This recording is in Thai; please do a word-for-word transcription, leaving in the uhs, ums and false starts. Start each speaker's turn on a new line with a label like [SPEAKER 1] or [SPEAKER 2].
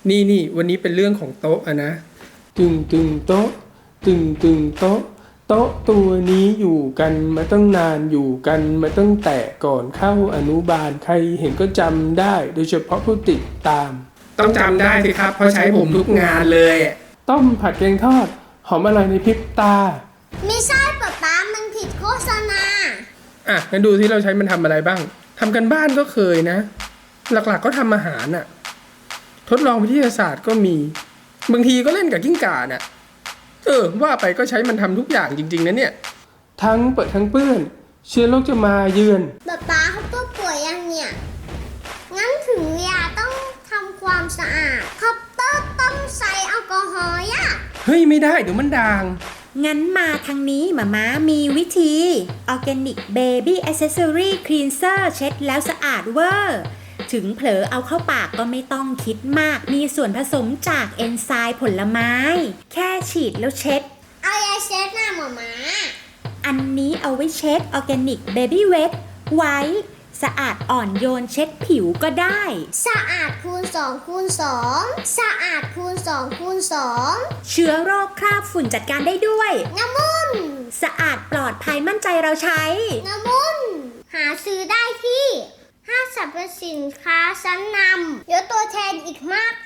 [SPEAKER 1] นี่นี่วันนี้เป็นเรื่องของโต๊ะอะนะตึงตึงโต๊ะตึงตึงโต๊ะโต๊ะตัวนี้อยู่กันมาตั้งนานอยู่กันมาตั้งแต่ก่อนเข้าอนุบาลใครเห็นก็จำได้โดยเฉพาะผู้ติดตามต้องจำได้สิครับเพราะใช้ผมทุกงานเลยต้มผัดแกงทอดหอมอร่อยในพริบตา
[SPEAKER 2] ไม่ใช่ป๊าป๊ามันผิดโฆษณา
[SPEAKER 1] อ่ะงั้นดูที่เราใช้มันทำอะไรบ้างทำกันบ้านก็เคยนะหลักๆก็ทำอาหารน่ะทดลองวิทยาศาสตร์ก็มีบางทีก็เล่นกับกิ้งก่าน่ะเออว่าไปก็ใช้มันทำทุกอย่างจริงๆนะเนี่ยทั้งเปิดทั้งเปื้อนเชื้อโรคจะมาเยือน
[SPEAKER 2] ป๊าป๊าเขาตัวป่วยยังเนี่ยงั้นถึงเวลาต้องทำความสะอาดคัพเตอร์ต้องใส่แอลกอฮอล์อะ
[SPEAKER 1] เฮ้ยไม่ได้เดี๋ยวมันด่าง
[SPEAKER 3] งั้นมาทางนี้หมาม้ามีวิธี Organic Baby Accessory Cleanser เช็ดแล้วสะอาดเวอร์ถึงเผลอเอาเข้าปากก็ไม่ต้องคิดมากมีส่วนผสมจากเอนไซม์ผลไม้แค่ฉีดแล้วเช็ด
[SPEAKER 2] เอายาเช็ดหน้าหมาม้า
[SPEAKER 3] อันนี้เอาไว้เช็ด Organic Baby Wet ไว้สะอาดอ่อนโยนเช็ดผิวก็ได้
[SPEAKER 2] สะอาดคูณสองคูณสองสะอาดคูณสองคูณสอง
[SPEAKER 3] เชื้อโรคคราบฝุ่นจัดการได้ด้วย
[SPEAKER 2] น้ำมุน
[SPEAKER 3] สะอาดปลอดภัยมั่นใจเราใช้
[SPEAKER 2] น้ำมุนหาซื้อได้ที่ห้างสรรพสินค้าชั้นนำเดี๋ยวตัวแทนอีกมาก